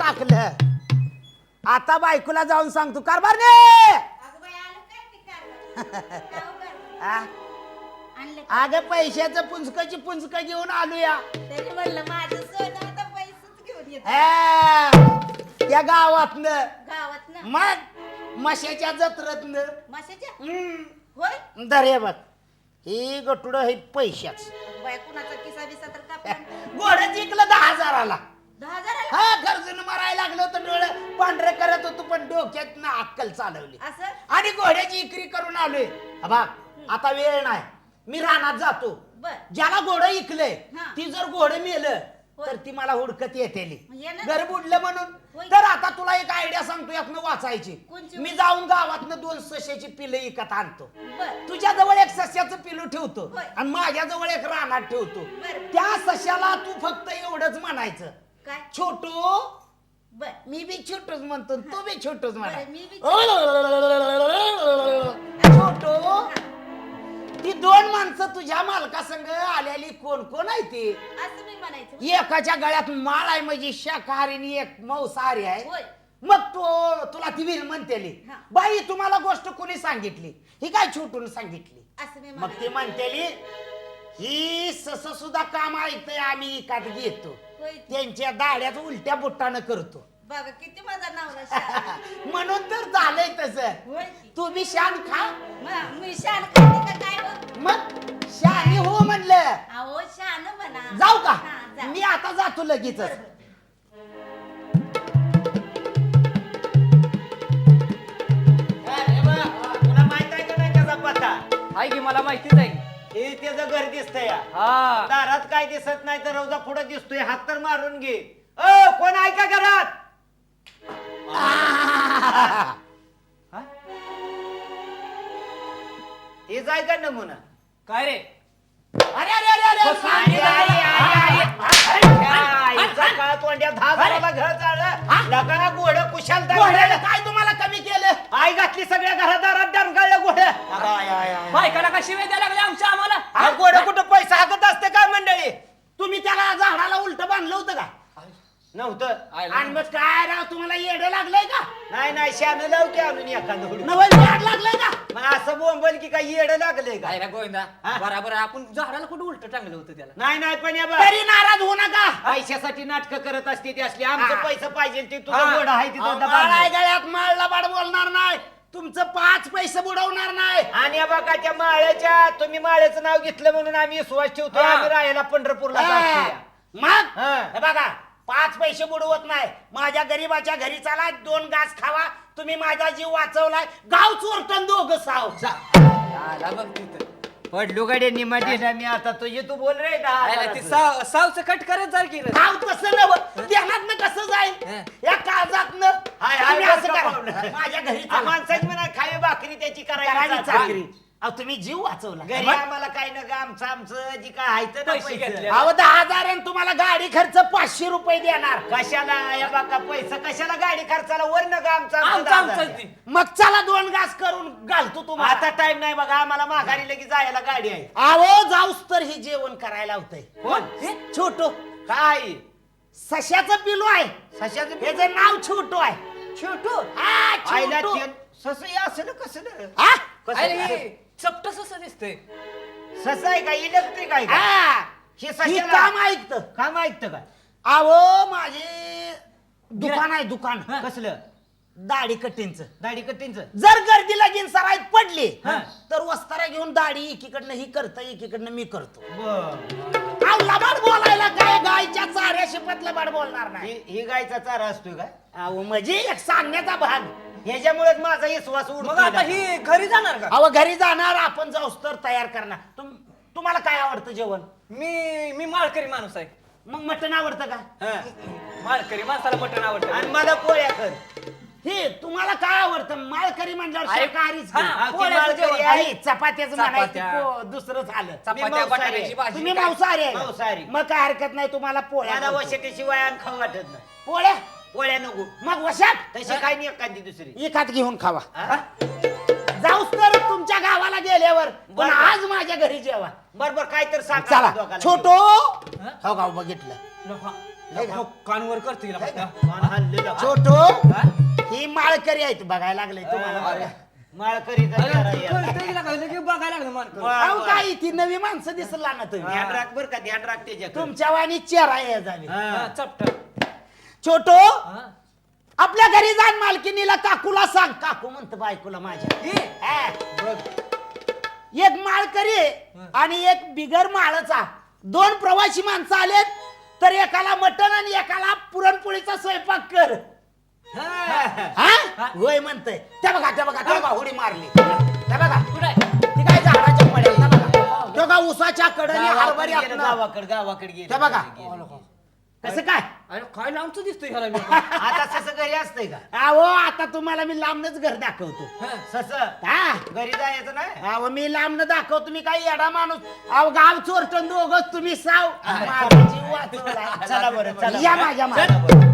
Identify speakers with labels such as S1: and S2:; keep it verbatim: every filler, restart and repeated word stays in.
S1: टाकलं. आता बायकोला जाऊन सांगतो कारभारने अगं पैशाचं पुंजकाची पुंजक घेऊन आलूया.
S2: तरी म्हणलं माझं सोनं आता पैसेच घेऊन येत
S1: त्या गावातनं
S2: गावात
S1: मग मशाच्या जत्रेतनं
S2: माशाच्या
S1: हम्म.
S2: होय
S1: दरे बघ ही गटुड हे पैशाच
S2: बाय कुणाचा किसा बिसा तर कापला
S1: घोडं जिंकलं दहा हजाराला.
S2: दहा हजाराला
S1: हा गरजून मरायला लागलं होतं डोळे पांढरे करत होतो पण डोक्यात ना अक्कल चालवली
S2: असं
S1: आणि घोड्याची इकरी करून आलोय. बा आता वेळ नाही मी रानात जातो.
S2: बर
S1: ज्याला घोडं इकलंय
S2: हा.
S1: ती जर घोडं मेलं
S2: होय.
S1: तर ती मला हुडकत येतेली
S2: ये ना.
S1: घर बुडलं म्हणून.
S2: होय.
S1: तर आता तुला एक आयडिया सांगतो यातनं वाचायची.
S2: कोणची?
S1: मी जाऊन गावातनं दोन सश्याची पिलं इकत आणतो.
S2: बर
S1: तुझ्या जवळ एक सश्याचं पिलू ठेवतो
S2: होय.
S1: आणि माझ्या जवळ एक रानात ठेवतो.
S2: बरं.
S1: त्या सश्याला तू फक्त एवढंच म्हणायचं
S2: काय
S1: छोटू.
S2: बर
S1: मी बी छोटूच म्हणतो तू बी छोटूच म्हणा.
S2: बरं, मी बी
S1: छोटू ती दोन माणसं तुझ्या मालका संग आलेली कोण कोण आहे ती.
S2: असं मी म्हणायचं
S1: एकाच्या गळ्यात माळ आहे म्हणजे शाकाहारी आणि एक मांसाहारी आहे.
S2: होय
S1: मग तो तुला ती वीर म्हणतेली
S2: हा.
S1: बाई तुम्हाला गोष्ट कोणी सांगितली ही काय छोटून सांगितली.
S2: असं मी
S1: मग ती म्हणतेली ही सस सुद्धा काम ऐकतंय आम्ही इकात घेतो
S2: होय
S1: त्यांच्या दाड्याच उलट्या बुट्टानं करतो
S2: बघा किती माझा नवरा शहाणा.
S1: म्हणून तर झालंय तसं.
S2: होय की.
S1: तू बी शान खा
S2: मग मी शान खाते का काय हो
S1: मग शानी हो म्हणलं.
S2: अहो शान म्हणा
S1: जाऊ का
S2: हा, जा.
S1: मी आता जातो लगेच.
S2: बरं, बरं.
S3: तुला माहित आहे का नाही त्याचा पत्ता?
S4: आहे की मला माहितीच आहे.
S3: हे त्याचं घर दिसतंय
S4: हा
S3: दारात काय दिसत नाही तर रोजा पुढे दिसतोय हात तर मारून घे. अ कोण आहे का घरात?
S1: आ,
S3: हा? हे जाय का नमुना?
S4: काय रे
S1: अरे अरे अरे अरे
S4: बस,
S1: सांग
S3: आई, आई, आई, आई, आई, आईचा काळ तोंड्या दहा जणाला घर चाललं लगा घोडं कुशाल
S1: घोड्याला काय तुम्हाला कमी केलं.
S3: आई घातली सगळ्या घरादारात डरकाळलं घोडं.
S4: बायकाला कशी वेळ द्यायला लागली आमच्या आम्हाला.
S3: हा घोडं कुठं पैसा हाकत असते काय मंडळी?
S1: तुम्ही त्याला झाडाला उलट बांधलं होतं का
S3: नव्हतं.
S1: आणि मग काय राव तुम्हाला येडं लागलंय का
S3: नाही नाही शान लाव की आणून एखादं हुडकून.
S1: नवल झाड लागलंय का.
S3: मग असं बोंबल की काही येडं लागलंय का?
S4: काय ना गोविंदा
S3: हा?
S4: बरोबर आहे. आपण झाडाला कुठं उलट टांगलं होतं त्याला.
S3: नाही नाही पण या बा,
S1: तरी नाराज होऊ नका.
S3: पैशासाठी नाटक करत असते ती असली. आमचं
S1: हा.
S3: पैसे पाहिजे ते तुझं
S1: हा.
S3: घोडं आहे
S1: अहो,
S3: तिथं
S1: माळ आहे
S3: दबाव.
S1: गळ्यात माळला बाड बोलणार नाही. तुमचं पाच पैसे बुडवणार नाही.
S3: आणि या बघा त्या माळ्याच्या तुम्ही माळ्याचं नाव घेतलं म्हणून आम्ही विश्वास ठेवतो.
S1: हा.
S3: आम्ही राहायला पंढरपूरला जातो.
S1: हा. मग
S3: हा.
S1: हे बघा पाच पैसे बुडवत नाही. माझ्या गरीबाच्या घरी चाला दोन घास खावा. तुम्ही माझा जीव वाचवलाय. गाव चोरटन दोघं साव.
S4: आला बघ तिथं.
S3: पडलो गाडी निमा दिला मी आता तुझे तू बोल रे दहा
S4: आयला ती
S3: हजाराचं.
S4: साव सावचं कट करत जा की रे.
S1: गाव तसं नव ध्यानात कसं जाईल
S4: हा.
S1: या काळजात
S3: हाय, हाय,
S1: असं
S3: बरं का
S1: करा.
S3: पाहुणं?
S1: माझ्या घरी
S3: हा,
S1: चला.
S3: माणसाची म्हणा खावी भाकरी त्याची
S1: करावी
S3: करायची
S1: चाकरी. अहो तुम्ही जीव वाचवला.
S3: घरी
S1: मग?
S3: आम्हाला काही नका आमचं आमचं जी काय आहे ते ना
S4: पैसे
S3: पैसे.
S4: घेतले.
S1: अहो दहा हजार आणि तुम्हाला गाडी खर्च पाचशे रुपये देणार.
S3: कशाला या बघा पैसा कशाला गाडी खर्चाला वर नका आमचा
S4: आमचं आमचं ती.
S1: मग चला दोन घास करून घालतो तुम्हाला.
S3: आता टाइम नाही बघा आम्हाला माघारी लगेच जायला गाडी आहे.
S1: अहो जाऊस तर हे जेवण करायला होतंय.
S3: कोण
S1: छोटो
S3: काय
S1: सश्याचं पिलू आहे.
S3: सशाचं
S1: त्याचं नाव छोटो आहे.
S3: छोटू
S1: हा,
S3: आईला
S1: छोटू.
S3: सस असं कसं
S1: हा?
S4: आयला
S3: कसं
S4: हे चपटस असं दिसतंय.
S3: सस आहे का इलेक्ट्रिक आहे का
S1: हा.
S3: हे
S1: ही
S3: सशाला
S1: काम ऐकतं.
S3: काम ऐकतं का
S1: अहो माझे दुकान आहे दुकान
S3: कसलं
S1: दाढी कटिंगचं.
S3: दाढी कट्टींचं
S1: जर गर्दीला घेऊन सराईत पडली
S3: हा.
S1: तर वस्तारा घेऊन दाढी एकीकडनं ही करतं एकीकडनं मी करतो.
S3: बर
S1: अहो, लबाड बोलायला काय गायच्या चाऱ्या शिपत लबाड बोलणार नाही.
S3: ही ही गायचा चारा असतोय का
S1: अहो म्हणजे एक सांगण्याचा भाग.
S3: ह्याच्यामुळेच माझा विश्वास
S4: मग आता
S3: उडतो
S4: ही घरी जाणार का.
S1: अहो घरी जाणार आपण जाऊस तर तयार करणार. तुम तुम्हाला काय आवडतं जेवण.
S4: मी मी माळकरी माणूस आहे.
S1: मग मटण आवडतं का.
S3: हा.
S4: माळकरी माणसाला मटण आवडतं.
S3: आणि मला पोळ्या कर
S1: हे तुम्हाला काय आवडतं माळकरी म्हणल्यावर
S4: आहे.
S1: शाकाहारीच
S4: हा,
S1: की.
S3: हा, ती
S4: पोळ्याचं
S3: माळकरी
S4: जेवण.
S3: आहे.
S1: आणि चपात्याचं म्हणायचं
S4: चपात्या.
S1: पो- दुसरं झालं.
S4: चपात्या
S3: मांसाहारी
S4: बटाट्याची
S3: आहे.
S4: भाजी.
S1: तुम्ही
S4: काय?
S1: मांसाहारी आहे
S3: मांसाहारी.
S1: का? मग काय हरकत नाही तुम्हाला पोळ्या
S3: मला
S1: करतो.
S3: वशटेशिवाय आणि खाऊ वाटत नाही
S1: पोळ्या
S3: पोळ्या नको
S1: मग वशात
S3: तशी काही नाही एखादी दुसरी
S1: एकात घेऊन खावा.
S3: हा?
S1: जाऊस तर तुमच्या गावाला गेल्यावर पण
S3: बरं.
S1: आज माझ्या घरी जेवा.
S3: बर बर काय तर सांग
S1: चला
S3: दोघाला.
S1: छोटो हो गाव बघितलं.
S4: नको. कानवर करते हिला फक्त.
S3: मान हल्लेलं.
S1: छोटो
S4: हा?
S1: ही माळकरी आहे बघायला लागले तुम्हाला
S4: अरे.
S1: बघा.
S3: माळकरीचा
S4: अरे,
S3: चेहरा आहे.
S4: कळतंय हिला काय लगेच बघायला लागलं मानकर.
S3: वा,
S1: अहो
S3: वा.
S1: काय ती नवी माणसं दिसला ना तुम्ही
S3: ध्यान राख बर का ध्यान राख त्याच्याकडे.
S1: तुमच्या वाणी चेहरा ये जावी
S4: हा,
S3: हा.
S4: चपट.
S1: छोटो
S4: हा.
S1: आपल्या घरी जाण मालकीनीला काकूला सांग काकू म्हणत बायकोला माझ्या
S4: हे,
S1: हा.
S4: बघ.
S1: एक माळकरी आहे आणि एक बिगर माळचा दोन प्रवासी माणसं आलेत तर एकाला मटण आणि एकाला पुरणपोळीचा स्वयंपाक कर
S4: हा.
S1: हा होय म्हणतय त्या बघा त्या बघा त्या बघा उडी मारली त्या बघा
S4: कुठं आहे?
S1: ती काय झाडाच्या पड्यात त्या बघा तो का उसाच्या कडे
S3: गावाकडे
S1: हरभरी
S3: गेलं,
S1: आपलं
S3: गावाकडे गावाकडे गेलं.
S1: त्या बघा.
S3: गेलं, गेलं.
S1: कसं काय
S4: अरे काय लांबचं दिसतोय ह्याला मी.
S3: आता सस घरी असतंय का
S1: अहो आता तुम्हाला मी लांबनच घर दाखवतो
S4: हा.
S3: सस
S1: हा
S3: घरी जायचं नाही.
S1: अहो मी लांबन दाखवतो मी काही येडा माणूस अहो गाव चोरटन दोघच तुम्ही साव माझा जीव वाचवलाय.
S3: चला बरं चला
S1: या
S3: बरं.
S1: माझ्या
S3: चला
S1: मागे.
S3: बरं.